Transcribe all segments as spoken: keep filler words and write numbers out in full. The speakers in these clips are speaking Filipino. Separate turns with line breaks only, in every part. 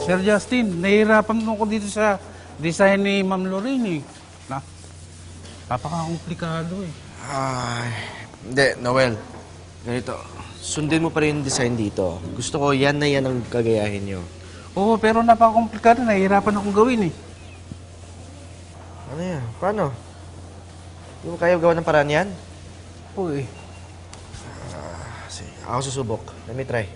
Sir Justin, nahihirapan ako dito sa design ni Ma'am Lorraine eh. Na, napaka-komplikado eh.
Ay, hindi, Noel. Ganito, sundin mo pa rin yung design dito. Gusto ko yan na yan ang gagayahin nyo.
Oo, pero napaka-komplikado. Nahihirapan akong gawin eh.
Ano yan? Paano? Hindi mo kaya gawa ng paraan yan?
Oo eh.
Ah, sige, ako susubok. Let me try.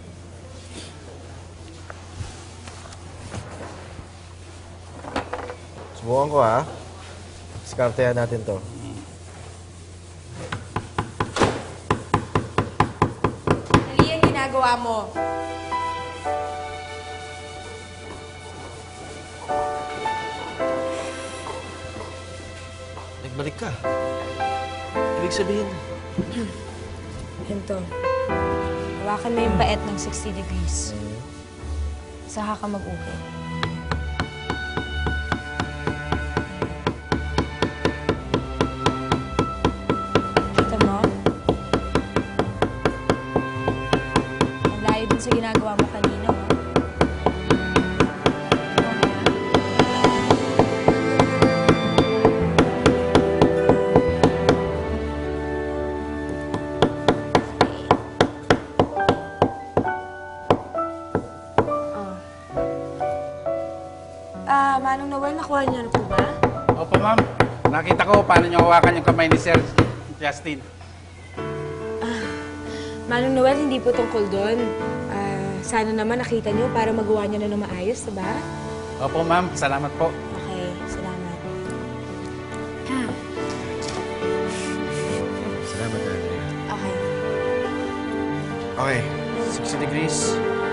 Subukan ko ha. Diskartehan natin to.
Mali ang ginagawa mo.
Nagbalik ka. Ibig sabihin,
Ganito. Hawakan mo yung paet ng sixty degrees. Saka ka mag-upo. Kita mo? Ang layo dun sa ginagawa mo kanina, oh. Ah, Manong Noel, nakuha niyo na po ba?
Opo, ma'am. Nakita ko paano niyo hawakan yung kamay ni Sir Justin.
Manong Noel, hindi po tungkol doon. Ah, sana naman nakita niyo para magawa niyo na ng maayos, diba?
Opo, ma'am. Salamat po.
Okay, salamat.
salamat, Andrea.
Okay.
Okay, sixty degrees.